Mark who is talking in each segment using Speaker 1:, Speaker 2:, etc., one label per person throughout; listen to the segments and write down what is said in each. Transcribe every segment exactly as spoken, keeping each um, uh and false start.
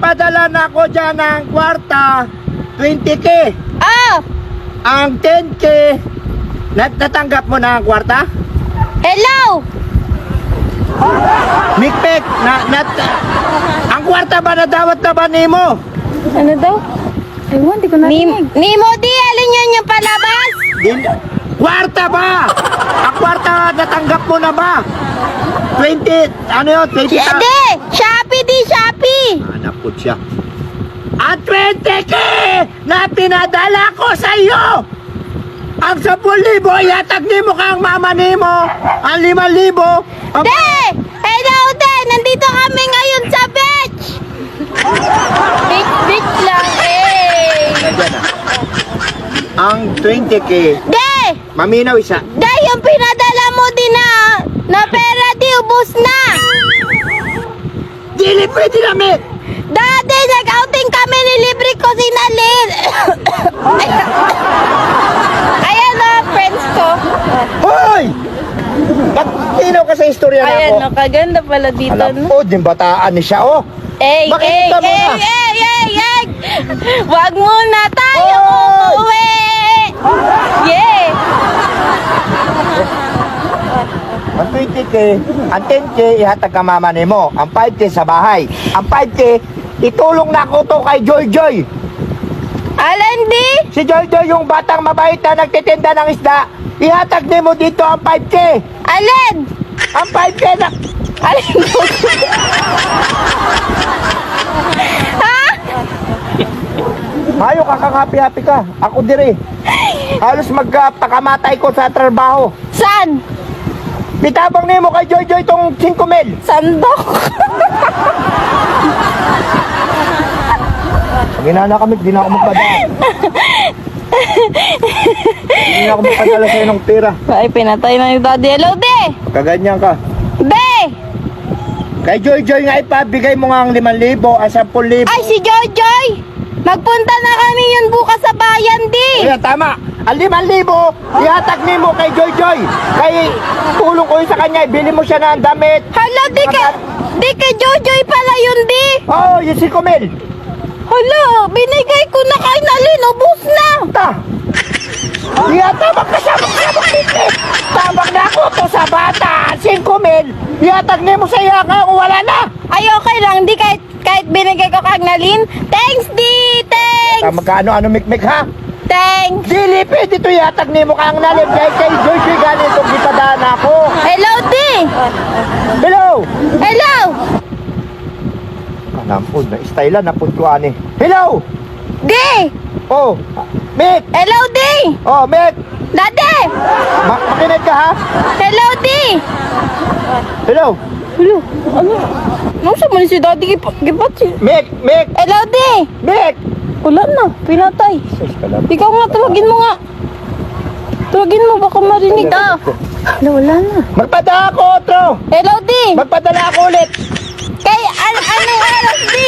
Speaker 1: nagpadala na ako dyan ng kwarta, twenty K.
Speaker 2: Oh!
Speaker 1: Ang ten K, nat natanggap mo na ang kwarta?
Speaker 2: Hello!
Speaker 1: Mikpek, na, nat, ang kwarta ba na dawat na ba nimo?
Speaker 2: Ano daw? Ewan, di ko narinig. Nimo, di, alin yun yung palabas?
Speaker 1: Din, kwarta ba? Ang kwarta natanggap mo na ba? twenty, ano yun? twenty
Speaker 2: Di, Shopee, di, Shopee.
Speaker 1: Hanap ko siya. Ang twenty K na pinadala ko sa iyo! Ang sepuluh libo, iatag ni mo kang mama ni mo. Ang lima libo. Ang...
Speaker 2: De! Hello, de! Nandito kami ngayon sa beach! Beach, beach lang, eh!
Speaker 1: Nandiyan na. Ang twenty K,
Speaker 2: De!
Speaker 1: maminaw isa.
Speaker 2: De, yung pinadala mo din na, na pera, di, ubus na!
Speaker 1: Dili pwede namin.
Speaker 2: Dati, nag-outing kami, nilibre ko si Nalin. Ayan na, friends ko.
Speaker 1: Hoy! Pagtinaw ka sa istorya na
Speaker 2: Ayan,
Speaker 1: ako.
Speaker 2: no, kaganda pala dito,
Speaker 1: Alam
Speaker 2: no?
Speaker 1: ko, din bataan ni siya, oh.
Speaker 2: Ey, ey,
Speaker 1: Makikita mo
Speaker 2: ey,
Speaker 1: na.
Speaker 2: ey, ey, ey! Wag muna tayo
Speaker 1: Oy!
Speaker 2: umuwi! Yeah!
Speaker 1: Ang twenty K, ang ten K, ihatag ka mama ni mo. Ang five K sa bahay. Ang five K, itulong na ko to kay Joy Joy.
Speaker 2: Alan, di?
Speaker 1: Si Joy Joy, yung batang mabait na nagtitinda ng isda. Ihatag ni mo dito ang five K.
Speaker 2: Alan!
Speaker 1: Ang five K na...
Speaker 2: Alan mo? Ha?
Speaker 1: Mayo ka kang happy-happy ka. Ako dire. Halos magpakamatay ko sa trabaho.
Speaker 2: San?
Speaker 1: Bitabang ni mo kay Joy Joy tong five mil.
Speaker 2: Sandok?
Speaker 1: Pag inana kami, di na ako magpadala. Di na ako magpadala sa'yo ng pera.
Speaker 2: Ay, pinatay na yung daddy. Hello, de!
Speaker 1: Kaganyan ka.
Speaker 2: De!
Speaker 1: Kay Joy Joy nga ipabigay mo nga ang limang libo, ang sampung libo.
Speaker 2: Ay, si Joy Joy! Magpunta na kami yun bukas sa bayan, di!
Speaker 1: Kaya tama. Ang limang libo, ihatag ni mo kay Joy Joy. Kay tulong ko yun sa kanya, ibili mo siya ng damit.
Speaker 2: Hala, di ka... Di kay Joy Joy pala yun, di!
Speaker 1: Oo, oh, yung five mil.
Speaker 2: Hala, binigay ko na kay Nalin, ubus na!
Speaker 1: Ta! Iya, tabak ka siya, magsabak dito. Tabak na ako to sa bata, five mil. Ihatag ni mo sa iya nga kung wala na.
Speaker 2: Ay, okay lang, di kahit, kahit binigay ko kay Nalin. Thanks, di!
Speaker 1: Ta,
Speaker 2: Thanks!
Speaker 1: magkano-ano mikmik ha?
Speaker 2: Thanks!
Speaker 1: Dili, pwede ito ihatag ni mo kang nalim. Kay kay Joy Joy ganito, gipadaan ako.
Speaker 2: Hello, di!
Speaker 1: Hello!
Speaker 2: Hello!
Speaker 1: Kanampod na, style na puntuan eh. Hello!
Speaker 2: Di!
Speaker 1: Oh, Mick!
Speaker 2: Hello, di!
Speaker 1: Oh, Mick!
Speaker 2: Dade!
Speaker 1: Ma makinig ka ha?
Speaker 2: Hello, di!
Speaker 1: Hello!
Speaker 2: Hello, ano? Ano sa mali si daddy? Gipat, gipat si...
Speaker 1: Mick! Mick!
Speaker 2: Hello, di!
Speaker 1: Mick!
Speaker 2: Wala na, pinatay.
Speaker 1: Sus ka lang.
Speaker 2: Ikaw nga, tawagin mo nga. Tawagin mo, baka marinig ka. Wala, wala na.
Speaker 1: Magpadala ako, otro!
Speaker 2: Hello, di!
Speaker 1: Magpadala ako ulit!
Speaker 2: Kay, an anong oras, di?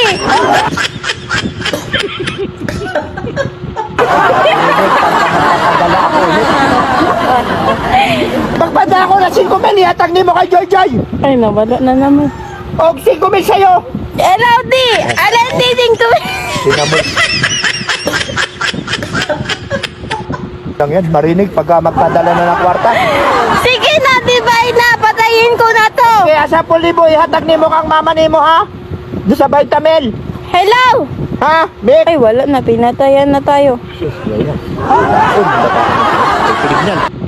Speaker 1: Magpadala ako ulit. Magpadala ako na five mil, ihatag ni mo kay Joy Joy!
Speaker 2: Ay, nawala na naman.
Speaker 1: Og five mil sa'yo!
Speaker 2: Hello, di! Alam, di, ding to.
Speaker 1: Sinamot. Lang yan, marinig pagka magpadala na ng kwarta.
Speaker 2: Sige na, di ba, na, patayin ko na to.
Speaker 1: Kaya sa libo, ihatag ni mo kang mama ni mo ha? Doon sa Vitamel.
Speaker 2: Hello!
Speaker 1: Ha? Mick?
Speaker 2: Ay, wala na, pinatayan na tayo.
Speaker 1: Sus, yan yan. Ah, oh, bata. Pilig niyan.